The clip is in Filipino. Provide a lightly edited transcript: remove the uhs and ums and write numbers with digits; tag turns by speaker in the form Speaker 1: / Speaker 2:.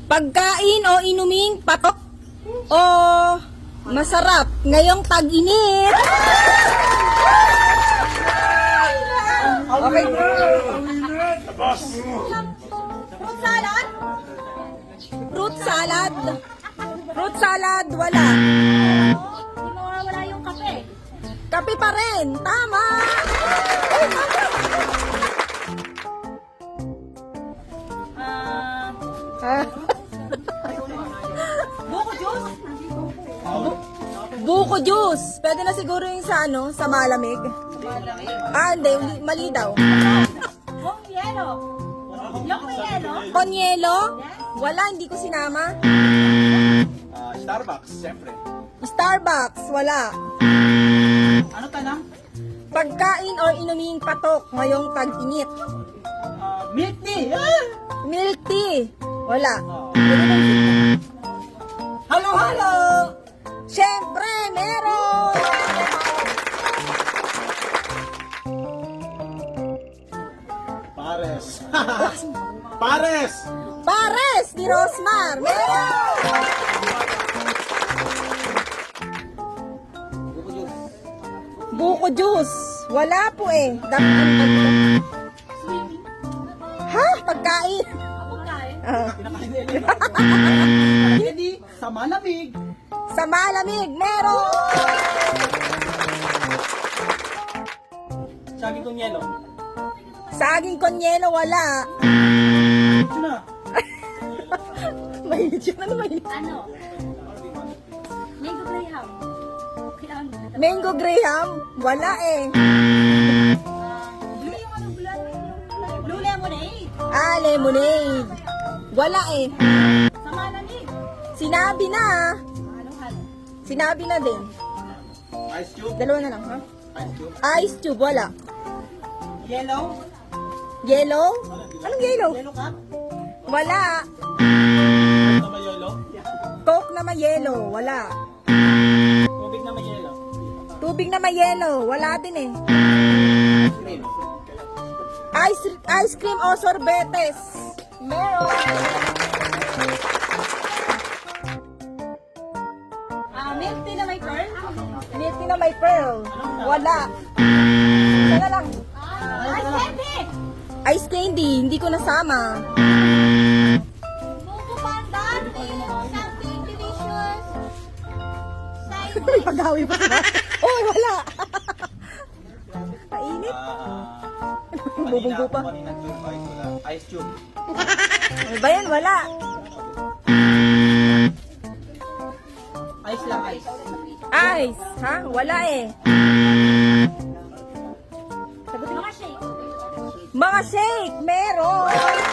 Speaker 1: Pagkain o inuming patok o masarap ngayong tag-init. Okay. Fruit salad? Fruit salad. Fruit salad, wala.
Speaker 2: Hindi mawawala yung kape.
Speaker 1: Kape pa rin. Tama.
Speaker 2: Buko juice?
Speaker 1: Buko juice. Pwede na siguro yung sa ano, sa malamig. Hindi, mali daw.
Speaker 2: Buong yelo? Yung may yelo?
Speaker 1: Con yelo? Wala, hindi ko sinama.
Speaker 3: Starbucks, siyempre.
Speaker 1: Starbucks, wala.
Speaker 3: Ano tanang?
Speaker 1: Pagkain or inuming patok ngayong tag-init.
Speaker 3: Milk tea!
Speaker 1: Milk tea, wala.
Speaker 3: Halo-halo!
Speaker 1: Siyempre, meron!
Speaker 3: Pares! Pares!
Speaker 1: Pares ni Rosmar, meron! Buko juice, wala po eh. Ha? Pagkain?
Speaker 2: Pagkain?
Speaker 3: Hindi, sa malamig.
Speaker 1: Sa malamig, meron!
Speaker 3: Saging kong yelo.
Speaker 1: Saging con yelo, wala.
Speaker 3: Ito na.
Speaker 1: Mahilig yun. Ano mahilig?
Speaker 2: Ano? Mango graham. Kailangan mo na.
Speaker 1: Mango graham, wala eh.
Speaker 2: Blue yung ano, blue lemonade.
Speaker 1: Lemonade. Wala eh.
Speaker 2: Sa malamig.
Speaker 1: Sinabi na.
Speaker 2: Halo-halo.
Speaker 1: Sinabi na din.
Speaker 3: Ice cube.
Speaker 1: Dalawa na lang, ha?
Speaker 3: Ice cube.
Speaker 1: Ice tube, wala.
Speaker 3: Yellow.
Speaker 1: Yellow? Anong yellow?
Speaker 3: Yellow cup.
Speaker 1: Wala.
Speaker 3: Ano may yellow?
Speaker 1: Coke na may yellow, wala.
Speaker 3: Tubig na may yellow.
Speaker 1: Tubig na may yellow, wala din eh.
Speaker 3: Cream.
Speaker 1: Ice cream o sorbetes. Meron.
Speaker 2: Milk tea na may pearl.
Speaker 1: Milk tea na may pearl. Wala. Isa na lang.
Speaker 2: Ice candy.
Speaker 1: Ice candy, hindi ko nasama.
Speaker 2: Buko pandan. Something delicious.
Speaker 1: May paghawi pa ba? Oh, wala. Painit. Bubunggo pa.
Speaker 3: Ice cube.
Speaker 1: Ano ba yan? Wala.
Speaker 3: Ice lang, ice.
Speaker 1: Ice. Ha? Wala eh.
Speaker 2: Mga shake.
Speaker 1: Mga shake, meron.